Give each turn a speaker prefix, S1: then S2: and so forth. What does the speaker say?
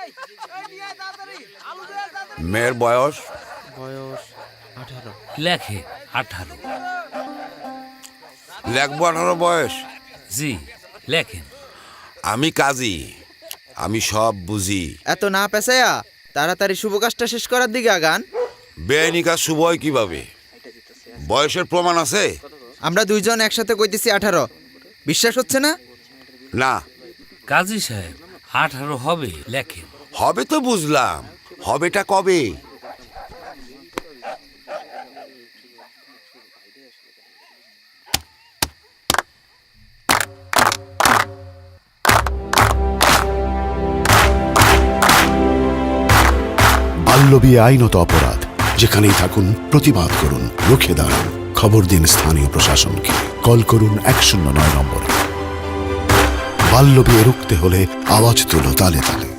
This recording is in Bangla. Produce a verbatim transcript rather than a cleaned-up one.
S1: মেয়ের বয়স?
S2: বয়স আঠারো।
S3: লেখে আঠারো।
S1: লেখবো আঠারো বয়স?
S3: জি লেখেন।
S1: আমি কাজী, আমি সব বুঝি।
S2: এত না পেছায়া তাড়াতাড়ি শুভ কাজটা শেষ করার দিকে আগান।
S1: বেআইনি কাজ শুভ হয় কিভাবে? বয়সের প্রমাণ আছে?
S2: আমরা দুইজন একসাথে কইতেছি আঠারো, বিশ্বাস হচ্ছে না?
S1: না।
S3: কাজী সাহেব আঠারো হবে, লেখেন।
S1: হবে তো বুঝলাম, হবেটা কবে?
S4: বাল্যবিয়ে আইনত অপরাধ, যেখানেই থাকুন প্রতিবাদ করুন, রুখে দাঁড়ান। খবর দিন স্থানীয় প্রশাসনকে, কল করুন এক শূন্য নয় নম্বরে। বাল্যবিয়ে রুখতে হলে আওয়াজ তুলো তালে তালে।